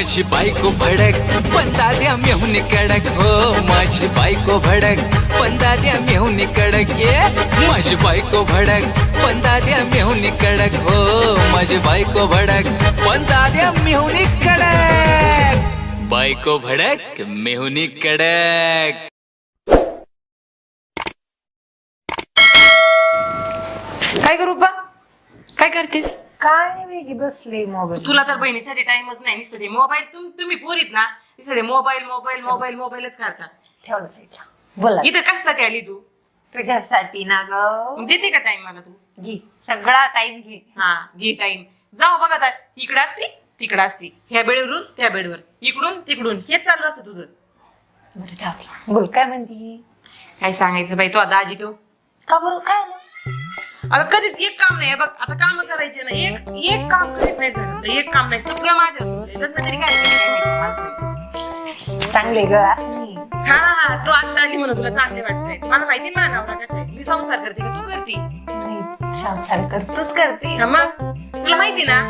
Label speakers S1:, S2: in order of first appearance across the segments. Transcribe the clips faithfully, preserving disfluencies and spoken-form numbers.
S1: माझी बायको भडक पण दाद्या मेहुनी कडक हो माझी बायको भडक पण दाद्या मेहुनी कडक ये माझी बायको भडक पण दाद्या मेहुनी कडक हो माझी बायको भडक पण दाद्या मेहुनी कडक बायको भडक मेहुनी कडक.
S2: काय करू बा काय करतेस?
S3: काय नाही वेगळी बसले मोबाईल.
S2: तुला तर बहिणीसाठी टाइमच नाही नुसतं ते मोबाईल. तुम तुम्ही पोरीत ना नुसतं ते मोबाईल मोबाईल मोबाईल मोबाईलच करता.
S3: ठेवलं साईडला. बोला
S2: इथं कशासाठी आली तू?
S3: तुझ्यासाठी ना ग.
S2: मग देते का टाइम मला तू?
S3: घे सगळा टाइम घे.
S2: हा घे टाइम. जाऊ बघा आता इकडे असती तिकडे असती ह्या बेडवरून त्या बेडवर इकडून तिकडून हेच चालू असतं तुझं.
S3: बरं जाऊ बोल काय म्हणती.
S2: काय सांगायचं बाई तो दाजी तो
S3: का बरं काय आलं?
S2: अगं कधीच एक काम नाही बघ. आता काम करायचे ना एक एक काम करीत नाही घरात. एक काम नाही सगळं माझ्या लग्न तरी काय केलं काय माहिती माणसाने.
S3: चांगले ग असं नाही.
S2: हा हा तू आता आली म्हणून तुला चांगले वाटतंय. मला माहिती माझा नवरा कसा आहे. मी संसार करते का तू करते?
S3: नाही, संसार करतोच करते.
S2: हा मग तुला माहिती ना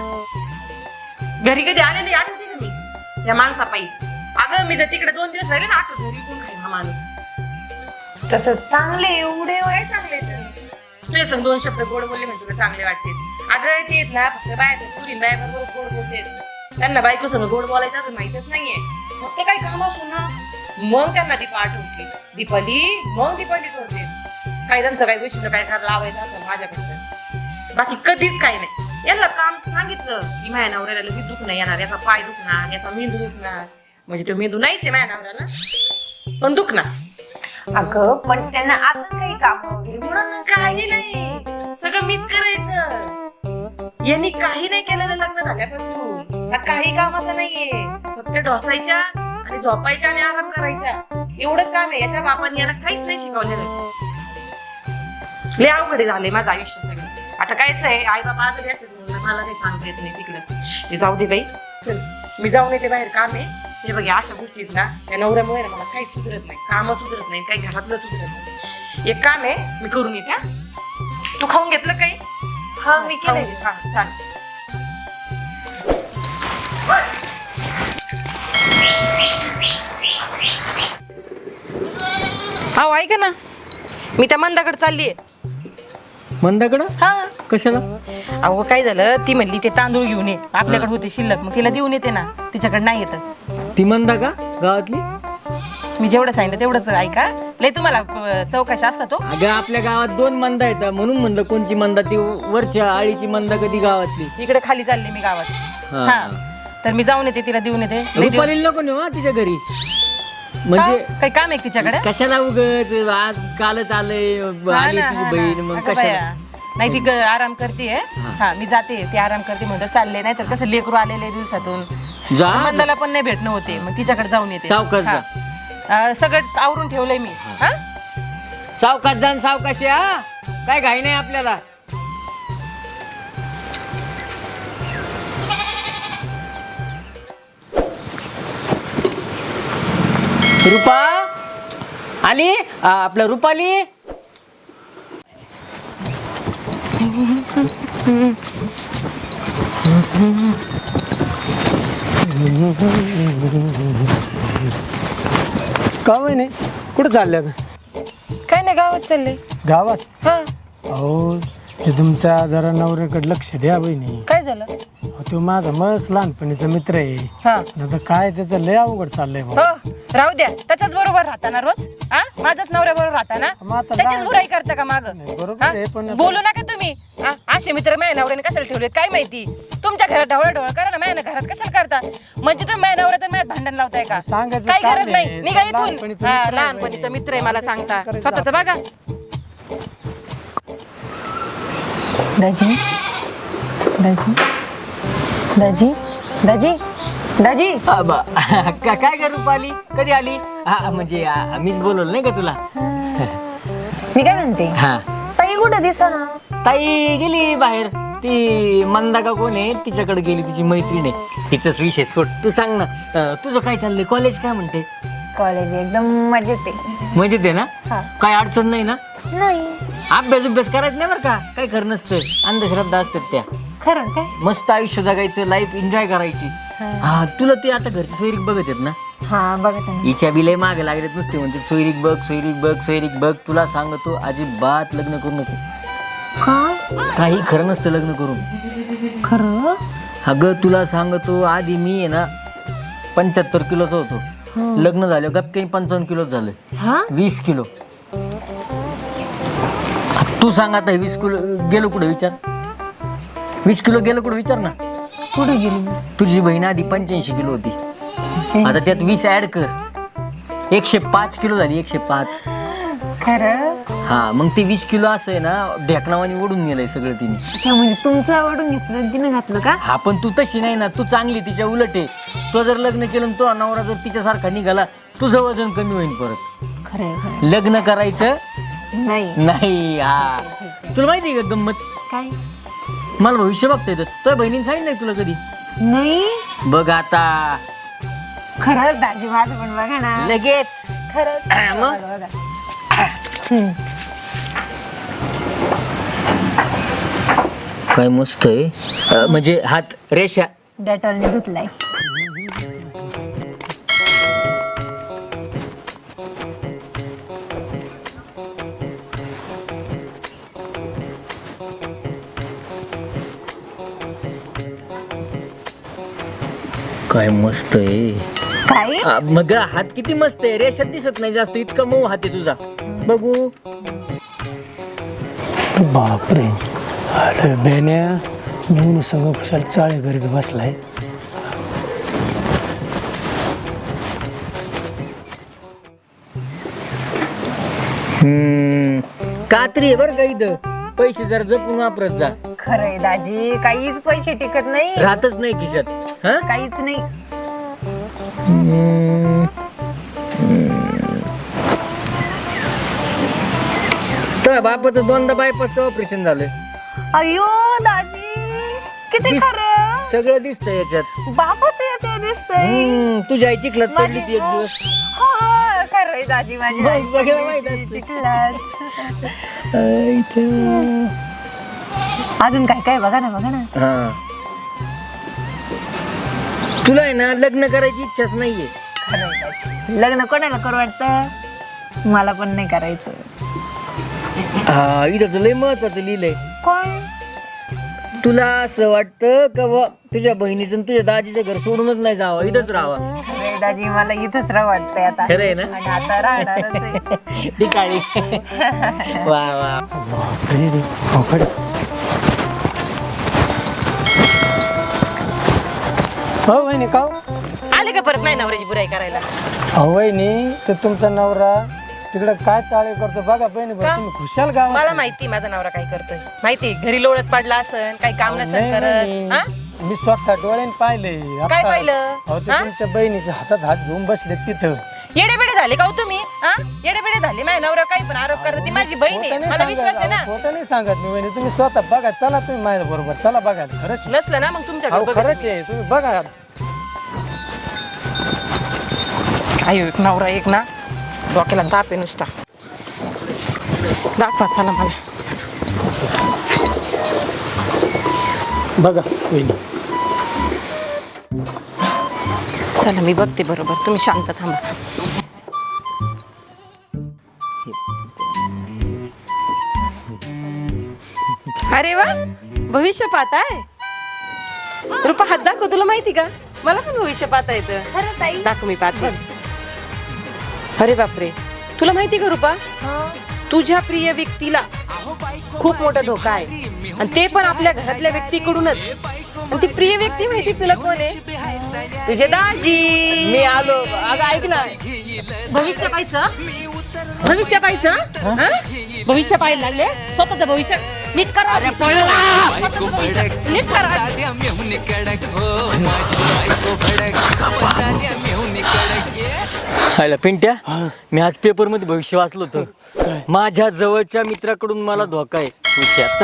S2: घरी कधी आलेली आठवते का मी या माणसापायी. अगं मी जर तिकडे दोन दिवस राहिले ना आठवत घरी कोण खाईल हा माणूस.
S3: तसं चांगले एवढे
S2: काय चांगले तुझे संग दोन शब्द गोड बोलले म्हणजे तुला चांगले वाटते. अगं ते ना फक्त बायचं पुरी बायबरोबर गोड बोलते. त्यांना बायको संग गोड बोलायचं अजून माहितच नाहीये. फक्त काही काम असू ना मग त्यांना दीपा आठवते. दीपाली मग दीपाली करते. काही त्यांचं काही गोष्टीला काय करायला लावायचं असेल माझ्याकडचं बाकी कधीच काही नाही. यांना काम सांगितलं की माझ्या नवऱ्याला लगेच दुखणं येणार. याचा पाय दुखणार याचा मेंदू दुखणार. म्हणजे तो मेंदू नाहीच आहे माझ्या नवऱ्याला पण दुखणार.
S3: अगं पण त्यांना असं काही काम वगैरे म्हणून
S2: काही नाही सगळं मीच करायचं. यांनी काही नाही केलेलं लग्न झाल्यापासून. हा काही कामाचं नाहीये. फक्त ढोसायच्या आणि झोपायच्या आणि आराम करायचा एवढंच काम आहे. याच्या बापाने याला काहीच नाही शिकवलेलं. लय अवघड झाले माझं आयुष्य सगळं. आता कायच आहे आई बाबा आजारी असतात मला काही सांगता येत नाही तिकडं. ते जाऊ दे बाई चल मी जाऊन येते बाहेर काम आहे. हे बघ अशा गोष्टीत ना त्या नवऱ्यामुळे ना मला काही सुधरत नाही. काम सुधरत नाही काही घरातलं सुधरत नाही. एक काम आहे मी करून येते. तू खाऊन घेतलं काही?
S3: हा मी केलंय.
S2: हा चालेल. हा ऐका ना मी त्या मंदाकडे चाललीये.
S4: मंदाकडं
S2: हा
S4: कशाला?
S2: अहो काय झालं ती म्हणली ते तांदूळ घेऊन ये आपल्याकडे होते शिल्लक मग तिला देऊन येते ना. तिच्याकडे नाही येत.
S4: ती मंदा का गावातली?
S2: मी जेवढं सांगितलं तेवढंच ऐका. लय तुम्हाला अं, चौकशी असता तो.
S4: अगं आपल्या गावात दोन मंदा येतात म्हणून म्हणलं कोणची मंदा ती वरच्या आळीची मंदा कधी गावातली.
S2: इकडे खाली चालले मी गावात.
S4: हा.
S2: हा तर मी जाऊन येते तिला देऊन येते. लय दिवस-
S4: रुपालीला नको नेऊ हा तिच्या घरी. म्हणजे
S2: का? काही काम आहे तिच्याकडे?
S4: कशाला उगच आज कालच आलंय
S2: हा
S4: आली
S2: ना,
S4: तुझी
S2: हा ना.
S4: बहीण मग
S2: अगं
S4: कशाला?
S2: बाया, नाही ती ग- आराम करते. हा मी जाते ती आराम करते म्हणतो चालले. नाही तर कसं लेकरू आलेले दिवसातून
S4: जा
S2: मंदाला पण नाही भेटणं होते मग तिच्याकडे जाऊन येते.
S4: सावकाश
S2: हा. अं, सगळं आवरून ठेवलंय मी. हा
S4: सावकाश जाण सावकाशी हा काय घाई नाही आपल्याला. रुपा आली आ, आपलं रुपाली.
S5: का नाही कुठं चालल्या
S2: काय नाही गावात चालले.
S5: गावात?
S2: हा
S5: अहो ते तुमच्या जरा नवऱ्याकडे लक्ष द्या बहिणी.
S2: काय झालं?
S5: अहो, तो माझा मस्त लहानपणीचा मित्र आहे.
S2: हा
S5: आता काय त्याचं लय अवघड चाललंय भाऊ.
S2: हो राहू द्या त्याच्याच बरोबर राहता ना रोज. हा माझाच नवऱ्या बरोबर राहता ना.
S5: मग आता
S2: त्याचीच
S5: लहान-
S2: बुराई करता का माग?
S5: नाही, बरोबर आहे, पण आता-
S2: बोलू नका तुम्ही. हा, असे मित्र माझ्या नवऱ्याने कशाला ठेवलेत काय माहिती. तुमच्या घरात ढवळ ढवळ करा ना माझ्या घरात कशाला करता. म्हणजे तुम्ही माझ्या नवऱ्यात आणि माझ्यात भांडण लावताय का?
S5: सांगायचं
S2: काही
S5: काम
S2: गरज
S5: नाही.
S2: नाही. निघा इथून.
S5: लहानपणीचं
S2: हा,
S5: मित्र आहे
S2: लहानपणीचा
S5: बहिणी.
S2: मित्र आहे मला सांगता.
S5: करायचं
S2: स्वतःच बघा.
S3: दाजी दाजी दाजी दाजी दाजी
S4: आबा, का- काय ग रुपाली कधी आली? हा म्हणजे आ, मीच बोलवलं नाही का तुला?
S3: मी काय म्हणते
S4: हा
S3: ताई कुठं दिसना.
S4: ताई गेली बाहेर. ती मंदा का कोण आहे तिच्याकडे गेली तिची मैत्रीण आहे. तिचाच विषय सोड. तू सांग ना अं, तुझं काय चाललंय? कॉलेज काय म्हणते?
S3: कॉलेज एकदम मजेत आहे.
S4: मजेत आहे ना?
S3: हा.
S4: काय अडचण नाही ना?
S3: नाही
S4: अभ्यास अभ्यास करायचं नाही बरं का. काय खरं नसतं. अंधश्रद्धा असतात त्या.
S3: खरं काय?
S4: मस्त आयुष्य जगायचं लाईफ एन्जॉय करायची. हा तुला ते आता घरचे सोयरीक बघत आहेत ना,
S3: हा बघत आहे ना.
S4: हिच्या बिले मागे लागलेत नुसते म्हणते सोयरीक बघ सोयरीक बघ सोयरीक बघ. तुला सांगतो अजिबात लग्न करू नको.
S3: का
S4: काही खरं नसतं लग्न करून.
S3: खरं?
S4: अगं तुला सांगतो आधी मी आहे ना पंच्याहत्तर किलोचा होतो, लग्न झालं गप काही पंचावन्न किलो झालं.
S3: हा
S4: वीस किलो. तू सांग आता हे वीस किलो गेलो कुठे विचार, वीस किलो गेलो कुठे विचार ना.
S3: कुठे गेली?
S4: तुझी बहीण आधी पंच्याऐंशी किलो होती, आता त्यात वीस ऍड कर, एकशे पाच किलो झाली. एकशे पाच.
S3: खरं?
S4: हा मग ते वीस किलो असं आहे ना ढेकणावानी ओढून गेलंय सगळं तिने.
S3: अच्छा म्हणजे तुमचं आवडून घेतलं तिने घातलं का?
S4: हा पण तू तशी नाही ना, तू चांगली तिच्या उलट आहे. तो जर लग्न केलं आणि तो नवरा जर तिच्यासारखा निघाला तुझं वजन कमी होईल परत.
S3: खरंय खरं.
S4: लग्न करायचं
S3: नाही
S4: नाही. हा तुला माहिती आहे का गंमत,
S3: काय?
S4: मला भविष्य बघता येतं. तुझ्या बहिणीने सांगितलं तुला कधी?
S3: नाही
S4: बघ आता
S3: खरंच दाजी माझं पण बघा ना.
S4: लगेच.
S3: खरंच
S4: हा, मग?
S3: बघा, बघा.
S4: काय मस्त आहे. अं, म्हणजे हात रेषा.
S3: डेटॉलने धुतलाय.
S4: काय मस्त आहे.
S3: काय?
S4: आ, मग हात किती मस्त आहे, रेषात दिसत नाही जास्त, इतका मऊ हात आहे तुझा. बघू.
S5: बापरे, अरे बेन्या घेऊन संग खुशाल चाळे घरीत बसलाय.
S4: हम्म कात्री आहे बरं का इथं, पैसे जर जपून वापरत जा.
S3: खरंय दाजी काहीच पैसे टिकत नाही,
S4: राहतच नाही खिशात. हा
S3: काहीच नाही.
S4: हम्म. तर बापाचं दोनदा बायपासचं ऑपरेशन झालंय.
S3: अयो दाजी किती
S4: दिस-
S3: खरं.
S4: सगळं दिसतंय याच्यात.
S3: बापाचं येते दिसतंय.
S4: हम्म, तुझी आई चिखलात पडली ती एक दिवस.
S3: हो खरंय दाजी माझी
S4: मग
S3: आई
S4: सगळं माहित असतं.
S3: चिखलात. अजून काय काय बघा ना बघा ना.
S4: हा तुला आहे ना लग्न करायची इच्छाच नाहीये.
S3: खरंय दाजी. लग्न कोणाला करू वाटतं, मला पण नाही करायचं.
S4: हा इथं तर लय महत्वाचं लिहिलंय.
S3: कोण?
S4: तुला असं वाटतं का बुवा तुझ्या बहिणीचं आणि तुझ्या दाजीचं घर सोडूनच नाही जावं, इथंच राहावं.
S3: खरंय दाजी मला इथंच राह वाटतंय आता.
S4: खरंय ना?
S3: आणि आता राहणारच आहे.
S4: ती काळी. वा वा.
S5: बापरे रे, अवघड. हो वहिनी का
S2: आले का परत नाही नवऱ्याची बुराई करायला?
S5: हो वहिनी, तर तुमचा नवरा तिकडं काय चाळे करतो बघा बहिणी.
S2: का?
S5: तुम्ही खुशाल गावात.
S2: मला माहिती माझा नवरा काय करतोय, माहिती घरी लोळत पडला असन, काही काम
S5: नाही,
S2: नसन
S5: नाही.
S2: करत. हा?
S5: मी स्वतः डोळ्याने पाहिले.
S2: काय पाहिलं?
S5: अहो ते
S2: हा?
S5: तुमच्या बहिणीच्या हातात हात घेऊन बसले तिथं.
S2: येडे बेडे झाले का हो तुम्ही? हा? येडे बेडे झाले. माझ्या नवरा काही पण आरोप करत, ती माझी बहीण आहे,
S5: खोटं नाही
S2: मला विश्वास आहे
S5: सांगत,
S2: ना.
S5: अहो, खोटं नाही सांगत मी वहिनी. तुम्ही स्वतः बघा, चला तुम्ही माझ्या बरोबर चला बघा. खरंच आहे.
S2: नसलं ना मग तुमच्या
S5: अहो खरंच आहे, तुम्ही बघा.
S2: आयो एक नवरा एक ना डोक्याला ताप आहे नुसता. दाखवा चला मला.
S5: बघा वहिनी.
S2: चला मी बघते बरोबर, तुम्ही शांत थांबा. अरे वा, भविष्य पाहताय. रुपा हात दाखव, तुला माहिती का मला पण भविष्य पाहता येतं.
S3: खरं ताई?
S2: दाखव मी पाहते. अरे बापरे, तुला माहिती का रुपा, तुझ्या प्रिय व्यक्तीला खूप मोठा धोका आहे, आणि ते पण आपल्या घरातल्या व्यक्तीकडूनच. आणि ती प्रिय व्यक्ती माहिती तुला कोण आहे? तुझे दाजी.
S4: मी आलो. अगं ऐक ना,
S2: भविष्य पाहायचं, भविष्य पाहायचं. हा? भविष्य पाहायला लागले, स्वतःच भविष्य नीट करा.
S1: बायको भडक
S2: नीट करा.
S1: दाद्या मेहून कडक हो माझी बायको भडक पण दाद्या मेहून कडक. ये
S4: हायला पिंट्या, मी आज पेपर मध्ये भविष्य वाचलो होतं. माझ्या जवळच्या मित्राकडून मला धोका आहे. विचार.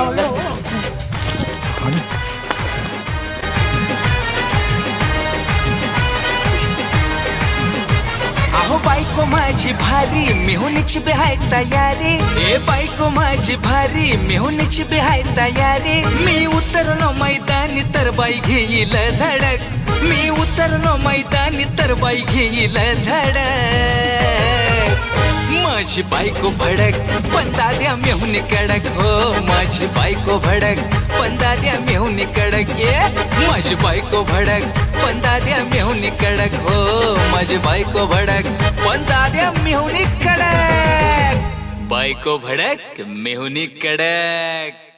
S1: अहो बायको माझी भारी मेहुनीची बिहाय तयारी. ए बायको माझी भारी मेहुनीची बिहाय तयारी. मी उतरलो मैदानी तर बाई घेईल धडक. मैदानी तर बाई घेईल धडक माझी बायको भडक पण दाद्या मेहुनी कडक हो माझी बायको भडक पण दाद्या मेहुनी कडक ये माझी बायको भडक पण दाद्या मेहुनी कडक हो माझी बायको भडक पण दाद्या मेहुनी कडक बायको भडक मेहुनी कडक.